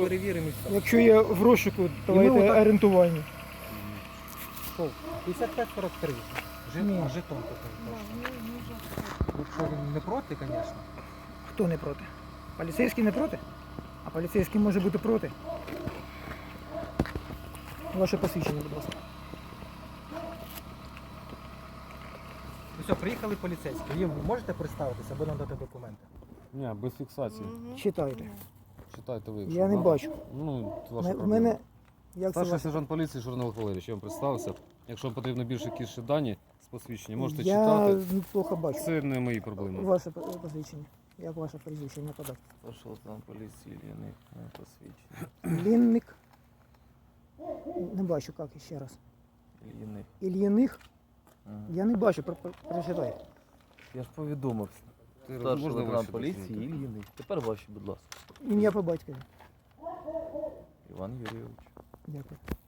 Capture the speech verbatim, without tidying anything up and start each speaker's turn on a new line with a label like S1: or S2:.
S1: перевіримо і все.
S2: Якщо є в розшуку, давайте
S1: отак-
S2: орієнтування.
S1: Що? п'ятдесят п'ять сорок три.
S2: Ні.
S1: Жит, жетон такий. Якщо він не проти, звісно.
S2: Хто не проти? Поліцейський не проти? А поліцейський може бути проти. Ваше посвідчення, будь ласка.
S1: Ну все, приїхали поліцейські. Ви можете представитися або надати документи?
S3: Ні, без фіксації.
S2: Читайте.
S3: Читайте ви.
S2: Я не бачу.
S3: Ну, це ваша
S2: В
S3: проблема.
S2: мене... Як це
S3: Старший
S2: ваше?
S3: сержант поліції Журналов Валерійович, я вам представився. Якщо вам потрібно більше якісь ще дані з посвідчення, можете
S2: Я
S3: читати.
S2: плохо бачу.
S3: Це не мої проблеми.
S2: Ваше посвідчення. Як ваше прізвище, не подати?
S4: Пошел там поліції Ільяних на посвідчення.
S2: Лінник. Не бачу, як ще раз.
S4: Ільяних.
S2: Ільїних.
S4: Ага.
S2: Я не бачу, про- про- прочитай.
S4: Я ж повідомив.
S3: Ти
S4: Старший
S3: можна
S4: лейтенант
S3: ваші
S4: поліції
S3: документи?
S4: Ільяних. Тепер ваші, будь ласка.
S2: Ім'я по батькові.
S4: Іван Юрійович.
S2: Дякую.